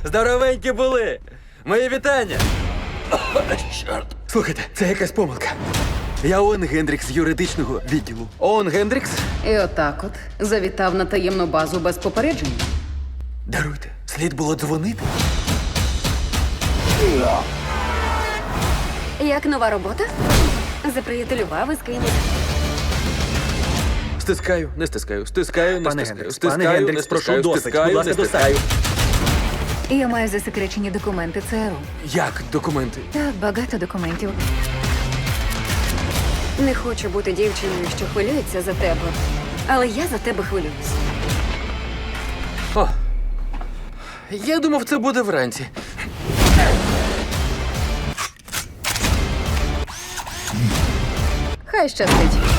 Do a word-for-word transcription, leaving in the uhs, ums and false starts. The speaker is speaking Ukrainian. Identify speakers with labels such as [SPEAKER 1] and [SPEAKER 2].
[SPEAKER 1] Здоровенькі були! Мої вітання! О, чорт! Слухайте, це якась помилка. Я Оуен Гендрікс з юридичного відділу. Оуен Гендрікс?
[SPEAKER 2] І отак от завітав на таємну базу без попередження.
[SPEAKER 1] Даруйте, слід було дзвонити.
[SPEAKER 3] Як нова робота? Заприятелював із кимось.
[SPEAKER 1] Стискаю, не стискаю, стискаю, не
[SPEAKER 4] Пане
[SPEAKER 1] стискаю,
[SPEAKER 4] Гендрікс,
[SPEAKER 1] стискаю,
[SPEAKER 4] пане
[SPEAKER 1] не
[SPEAKER 4] Гендрікс, прошу,
[SPEAKER 1] стискаю,
[SPEAKER 4] досить.
[SPEAKER 1] стискаю,
[SPEAKER 4] Будь ласка,
[SPEAKER 1] не стискаю.
[SPEAKER 5] Я маю засекречені документи ЦРУ.
[SPEAKER 1] Як документи?
[SPEAKER 5] Так, багато документів.
[SPEAKER 3] Не хочу бути дівчиною, що хвилюється за тебе. Але я за тебе хвилююсь.
[SPEAKER 1] О, я думав, це буде вранці.
[SPEAKER 2] Хай щастить.